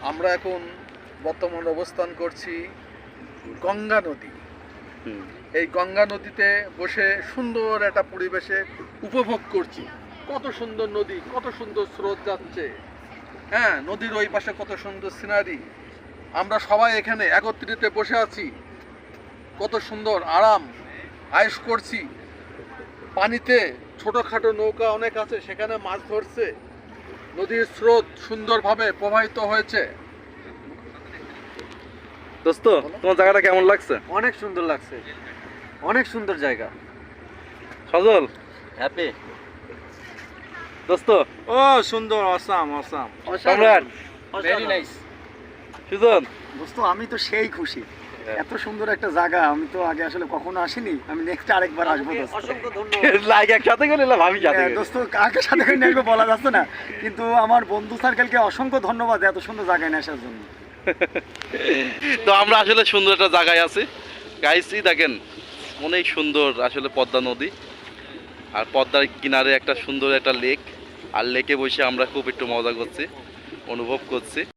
আমরা এখন বর্তমান অবস্থান করছি গঙ্গা নদী। এই গঙ্গা নদীতে বসে সুন্দর একটা পরিবেশে উপভোগ করছি। কত সুন্দর নদী, কত সুন্দর স্রোত যাচ্ছে। হ্যাঁ, নদীর ওই পাশে কত সুন্দর সিনারি। আমরা সবাই এখানে একত্রিত বসে আছি, কত সুন্দর আরাম আয়েশ করছি। পানিতে ছোটোখাটো নৌকা অনেক আছে, সেখানে মাছ ধরছে। নদীর স্রোত সুন্দরভাবে প্রবাহিত হয়েছে। দোস্ত, তোমার জায়গাটা কেমন লাগছে? অনেক সুন্দর লাগছে, অনেক সুন্দর জায়গা। সজল হ্যাপি দোস্ত? ও সুন্দর, awesome awesome, Samrat, very nice. Sujon দোস্ত, আমি তো সেই খুশি। এত সুন্দর একটা জায়গা আমি তো আগে আসলে কখনো আসিনি। আমি নেক্সট আরেকবার আসবো দোস্ত। অসংখ্য ধন্যবাদ। লাইক একসাথে গেলে ভাবি সাথে হ্যাঁ, দোস্ত কাকে সাথে করে নিয়ে আসবো বলা যাচ্ছে না, কিন্তু আমার বন্ধু সার্কেলকে অসংখ্য ধন্যবাদ এত সুন্দর জায়গায় নিয়ে আসার জন্য। তো আমরা আসলে সুন্দর একটা জায়গায় আছি গাইসই, দেখেন অনেক সুন্দর আসলে পদ্মা নদী, আর পদ্মার কিনারে একটা সুন্দর একটা লেক, আর লেকে বসে আমরা খুব একটু মজা করছি, অনুভব করছি।